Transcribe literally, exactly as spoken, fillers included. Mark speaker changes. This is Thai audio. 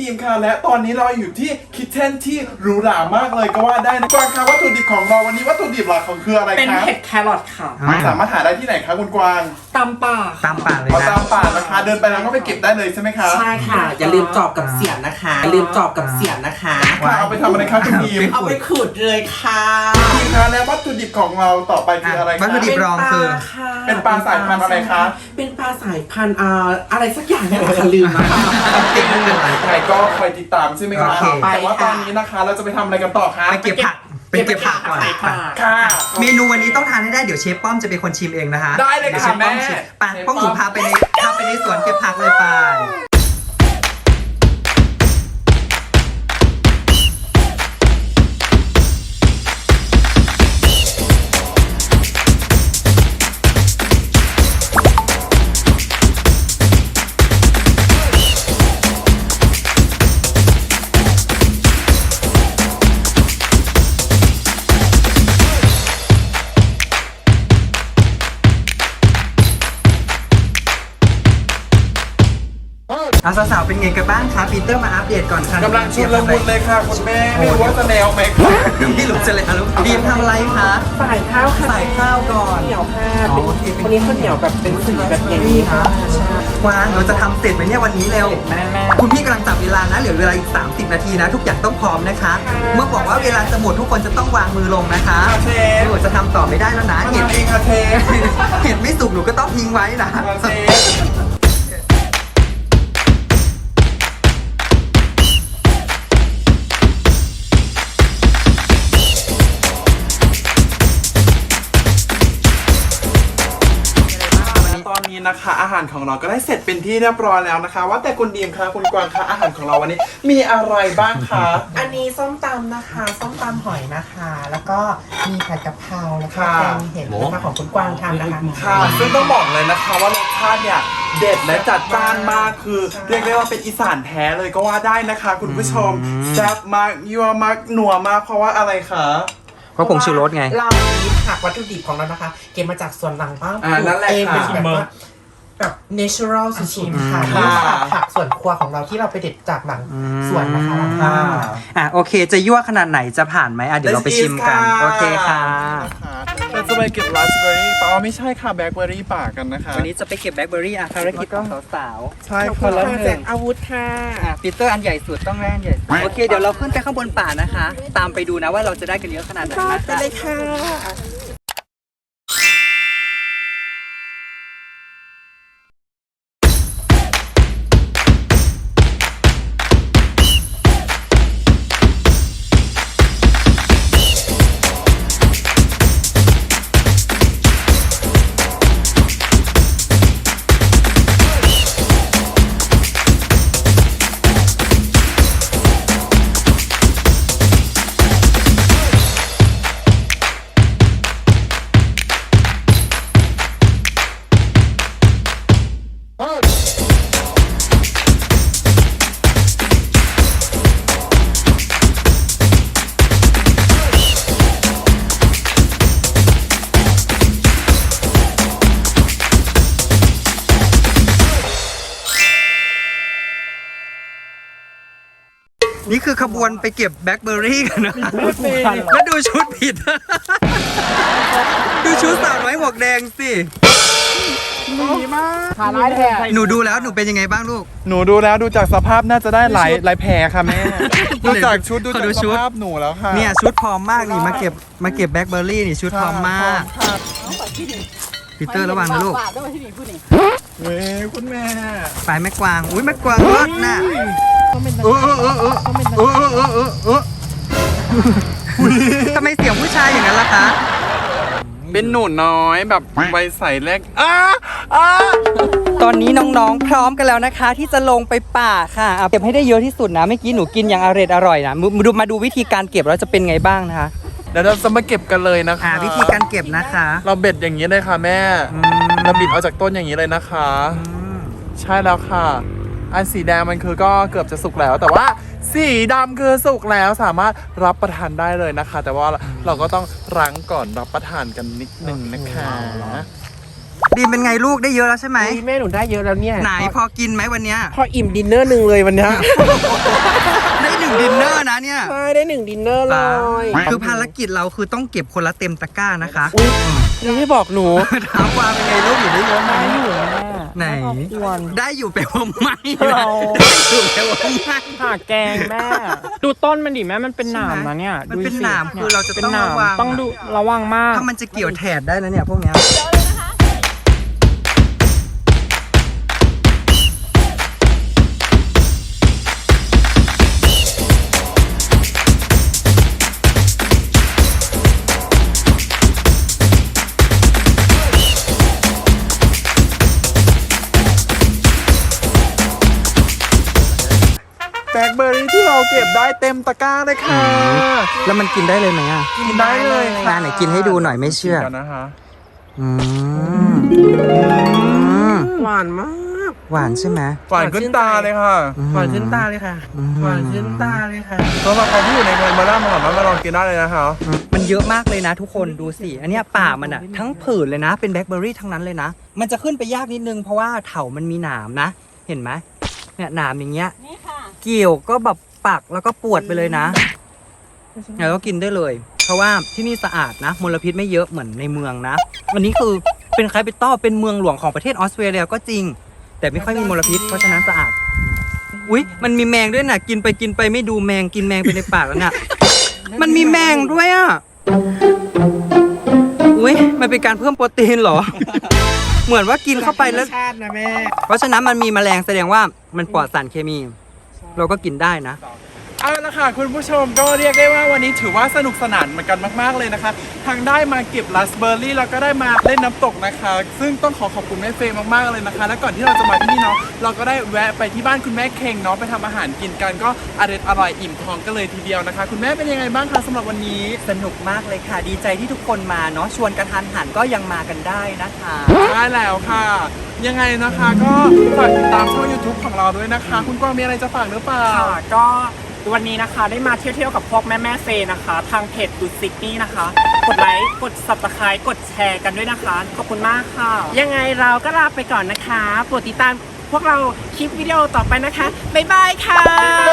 Speaker 1: ดีมค่ะและตอนนี้เราอยู่ที่คิทเช่นที่หรูหรามากเลยก็ว่าได้นะกวางคะวัตถุดิบของเราวันนี้วัตถุดิบหลักของคืออะไรคะ
Speaker 2: เป็นเห็ดแครอทค่ะ
Speaker 1: สามารถหาได้ที่ไหนคะคุณกวาง
Speaker 2: ตามป่า
Speaker 3: ตามป่าเลยนะ
Speaker 1: ตามป่านะคะเดินไปแล้วก็ไปเก็บได้เลยใช่ไหมคะ
Speaker 4: ใช่ค่ะอย่าลืมจอบกับเสียมนะคะอย่าลืมจอบกับเสียมนะคะ
Speaker 1: เอาไปทำอะไรคะคุณดีม
Speaker 4: เอาไปขูดเลยค่ะ
Speaker 1: ดีมคะและวัตถุดิบของเราต่อไปคืออะไรคะ
Speaker 3: วัตถุดิบรองคือ
Speaker 1: เป็นปลาสายพันธุ์อะไรคะ
Speaker 4: เป็นปลาสายพันธุ์อะไรสักอย่างเนี่ยค่ะลืมนะคะ
Speaker 1: ใครก็คอยติดตามใช่ไหมคะแต่ว่าตอนนี้นะคะเราจะไปทำอะไรกันต่อคะ
Speaker 3: ไปเก็บผักไปเก็บผักก่อน
Speaker 1: ค่ะ
Speaker 3: เมนูวันนี้ต้องทานให้ได้เดี๋ยวเชฟป้อมจะเป็นคนชิมเองนะคะ
Speaker 1: ได้เลยค่ะแม่
Speaker 3: ไปป้อมหนูพาไปในพาไปในสวนเก็บผักเลยไปอาสาวๆเป็นไงกันบ้างคะปีเตอร์มาอัปเดตก่อนค่ะ
Speaker 1: กำลังชุดละมุนเลยค่ะคุณแม่ไม่รู้ว่าจะแนวไหมคะ
Speaker 3: พี่หลุมจะเลยอะลูกดีมทำอะไรคะ
Speaker 4: ใส่ข้าวค่ะ
Speaker 3: ใส่ข้าวก่อน
Speaker 4: เหนียวค่ะวันนี้ข้าวเหนียวแบบเป็นสีแบบอย่างนี้ค่ะ
Speaker 3: วางเราจะทำเสร็จไหมเนี่ยวันนี้เร็วคุณพี่กำลังจับเวลานะเหลือเวลาอีกสามสิบนาทีนะทุกอย่างต้องพร้อมนะคะเมื่อบอกว่าเวลาจะหมดทุกคนจะต้องวางมือลงนะคะหนูจะทำต่อไม่ได้แล้วนะ
Speaker 1: เห็นเองค่ะเท
Speaker 3: เห็นไม่สุกหนูก็ต้องทิ้งไว้นะ
Speaker 1: ตอนนี้นะคะอาหารของเราก็ได้เสร็จเป็นที่เรียบร้อยแล้วนะคะว่าแต่คุณดีมคะคุณกวางคะอาหารของเราวันนี้มีอะไรบ้างคะ
Speaker 4: อันนี้ส้มตำนะคะส้มตำหอยนะคะแล้วก็มีผัดกะเพราแล้วก็แกงเห็ดนะคะของคุณกวางทำนะคะ
Speaker 1: ค่ะซึ่งต้องบอกเลยนะคะว่ารสชาติเนี่ยเด็ดและจัดจ้านมากคือเรียกได้ว่าเป็นอีสานแท้เลยก็ว่าได้นะคะคุณผู้ชมแซ่บมากยัวมากหนัวมากเพราะว่าอะไรคะ
Speaker 3: เพราะผงชูรสไง
Speaker 4: เราผักวัตถุดิบของเรานะคะเก็บมาจากสวนหลังบ้าน
Speaker 1: อ่านั่นแหละค่ะ
Speaker 4: แบบว่าแบบ natural สุดๆค่ะนี่ค่ะผักสวนครัวของเราที่เราไปเด็ดจากหลังสวนนะคะ
Speaker 3: อ่าโอเคจะยั่วขนาดไหนจะผ่านไหมอ่ะเดี๋ยวเราไปชิมกันโอเคค่ะ
Speaker 1: เราจะไปเก็บราสเบอร์รี่ป่าไม่ใช่ค่ะแบล็คเบอร์รี่ป่ากันนะคะ
Speaker 3: วันนี้จะไปเก็บแบล็คเบอร์รี่อ่ะภารกิจของสาว
Speaker 1: ๆใช่
Speaker 4: คนละหนึ่งอาวุธค่ะ
Speaker 3: อ่ะปีเตอร์อันใหญ่สุดต้องแรกใหญ่โอเคเดี๋ยวเราขึ้นไปข้างบนป่านะคะตามไปดูนะว่าเราจะได้กันเยอะขนาดไหนนะ
Speaker 4: ไปเลยค่ะ
Speaker 3: นี่คือขบวนไปเก็บแบล็คเบอร์รี่กันนะแล้วดูชุดผิดดูชุดสาวน้อยหมวกแดงสิ
Speaker 2: ดีมากขาร้ายแท้
Speaker 3: หนูดูแล้วหนูเป็นยังไงบ้างลูก
Speaker 1: หนูดูแล้วดูจากสภาพน่าจะได้หลายหลายแผลค่ะแม่ดูจากชุดดูจากสภาพหนูแล้วค่ะ
Speaker 3: เนี่ยชุดพร้อมมากนี่มาเก็บมาเก็บแบล็คเบอร์รี่นี่ชุดพร้อมมากปีเตอร์ระวังนะลูก
Speaker 1: เว้ยคุณแม่
Speaker 3: ไปแม่กวางอุ้ยแม่กวางรอดน่ะเออเออเออเออเออเออเออเออเออทำไมเสียงผู้ชายอย่างนั้นล่ะคะ
Speaker 1: เป็นหนูน้อยแบบใบใสแรกอ้าอ้า
Speaker 3: ตอนนี้น้องๆพร้อมกันแล้วนะคะที่จะลงไปป่าค่ะเก็บให้ได้เยอะที่สุดนะเมื่อกี้หนูกินอย่างอร่อยอร่อยนะมาดูมาดูวิธีการเก็บแล้วจะเป็นไงบ้างนะคะ
Speaker 1: เดี๋ยวเราจะมาเก็บกันเลยนะคะ
Speaker 3: วิธีการเก็บนะคะ
Speaker 1: เราเบ็ดอย่างนี้เลยค่ะแม่เราบิดเอาจากต้นอย่างนี้เลยนะคะใช่แล้วค่ะอันสีแดงมันคือก็เกือบจะสุกแล้วแต่ว่าสีดำคือสุกแล้วสามารถรับประทานได้เลยนะคะแต่ว่าเราก็ต้องรั้งก่อนรับประทานกันนิดนึงนะคะ
Speaker 3: ดีมเป็นไงลูกได้เยอะแล้วใช่ไหม
Speaker 4: แม่หนูได้เยอะแล้วเนี่ย
Speaker 3: ไหนพอกินไหมวันเนี้ย
Speaker 4: พออิ่มดินเนอร์หนึ่งเลยวันเนี้ย
Speaker 3: ได้หนึ่งดินเนอร์นะเนี่ย
Speaker 4: ใช่ได้หนึ่งดินเนอร์เลย
Speaker 3: คือภารกิจเราคือต้องเก็บคนละเต็มตะกร้านะคะ
Speaker 4: อุ๊ยยังไม่บอกหนู
Speaker 3: ถามว่าเป็นไงลูกอยู่ได้เยอะไหม
Speaker 4: ได้อยู่แม่
Speaker 3: ไหน
Speaker 4: ควร
Speaker 3: ได้อยู่แปลว่าไม่
Speaker 4: เรา
Speaker 3: ได้อยู่แปลว่าไม่
Speaker 2: หาแกงแม่ ดูต้นมันดิแม่มันเป็นหนามนะเนี่ย
Speaker 3: มัน
Speaker 2: ดู
Speaker 3: เป็น
Speaker 2: สิ
Speaker 3: หนามคือเราจะ
Speaker 2: เป็น
Speaker 3: ต้อง
Speaker 2: หนาม
Speaker 3: ระวัง
Speaker 2: ต้องดูระวังมาก
Speaker 3: ถ้ามันจะเกี่ยวแถดได้นะเนี่ยพวกเนี้ย
Speaker 1: แบล็คเบอร์รี่ที่เราเก็บได้เต็มตะกร้าเลยค่ะ
Speaker 3: แล้วมันกินได้เลยไหมอ่ะ
Speaker 1: กินได้เลย
Speaker 3: มาไหนกินให้ดูหน่อยไม่เชื่อ
Speaker 1: กันนะคะ
Speaker 3: อืมอืม
Speaker 4: หวานมาก
Speaker 3: หวานใช่ไหม
Speaker 1: หวานขึ้นตาเลยค่ะ
Speaker 4: หวานขึ้นตาเลยค่ะ
Speaker 3: อืม
Speaker 4: หวานขึ้นตาเลยค่ะ
Speaker 1: สำหรับใครที่อยู่ในเมืองมาล่ามาหอมมาลองกินได้เลยนะคะ
Speaker 3: มันเยอะมากเลยนะทุกคนดูสิ อันเนี้ยป่ามันอ่ะทั้งผืนเลยนะ เป็นแบล็คเบอร์รี่ทั้งนั้นเลยนะ มันจะขึ้นไปยากนิดนึงเพราะว่าเถามันมีหนามนะ เห็นไหมเนี่ยหนามอย่างเงี้ย
Speaker 5: นี่ค่ะ
Speaker 3: เกี่ยวก็แบบปักแล้วก็ปวดไปเลยนะแล้วก็กินได้เลย เพราะว่าที่นี่สะอาดนะมลพิษไม่เยอะเหมือนในเมืองนะวันนี้คือเป็นคาปิตอลเป็นเมืองหลวงของประเทศออสเตรเลียก็จริง แต่ไม่ค่อยมีมลพิษเพราะฉะนั้นสะอาดอุ๊ยมันมีแมงด้วยนะกินไปกินไปไม่ดูแมงกินแมงไปในปากแล้วน่ะมันมีแมงด้วยอ่ะอุ๊ยมันเป็นการเพิ่มโปรตีนเหรอ เหมือนว่ากินเข้าไปแล้ว
Speaker 4: ชาตินะแม่
Speaker 3: เพราะฉะนั้นมันมีแมลงแสดงว่ามันปลอดสารเคมี เราก็กินได้นะ
Speaker 1: เอาละค่ะคุณผู้ชมก็เรียกได้ว่าวันนี้ถือว่าสนุกสนานเหมือนกันมากๆเลยนะคะทั้งได้มาเก็บราสเบอร์รี่แล้วก็ได้มาเล่นน้ำตกนะคะ ซึ่งต้องขอขอบคุณแม่เฟย์มากๆเลยนะคะ และก่อนที่เราจะมาที่นี่เนาะเราก็ได้แวะไปที่บ้านคุณแม่เข่งเนาะไปทำอาหารกินกันก็อร่อยอร่อยอิ่มท้องกันเลยทีเดียวนะคะ คุณแม่เป็นยังไงบ้างคะสำหรับวันนี้
Speaker 3: สนุกมากเลยค่ะ ดีใจที่ทุกคนมาเนาะชวนกระทันหันก็ยังมากันได้นะคะ
Speaker 1: ได้แล้วค่ะ ยังไงนะคะก็ฝากติดตามช่อง YouTube ของเราด้วยนะคะ คุณกวางมีอะไรจะฝากหรือเปล่า
Speaker 2: ค่ะก็วันนี้นะคะได้มาเที่ยวๆกับพวกแม่แม่ๆเฟย์นะคะ ทางเพจดูซิกนี่นะคะ กดไลค์กด ซับสไครบ์ กดแชร์กันด้วยนะคะ ขอบคุณมากค่ะ
Speaker 4: ยังไงเราก็ลาไปก่อนนะคะโปรดติดตามพวกเราคลิปวิดีโอต่อไปนะคะ บ๊ายบายค่ะ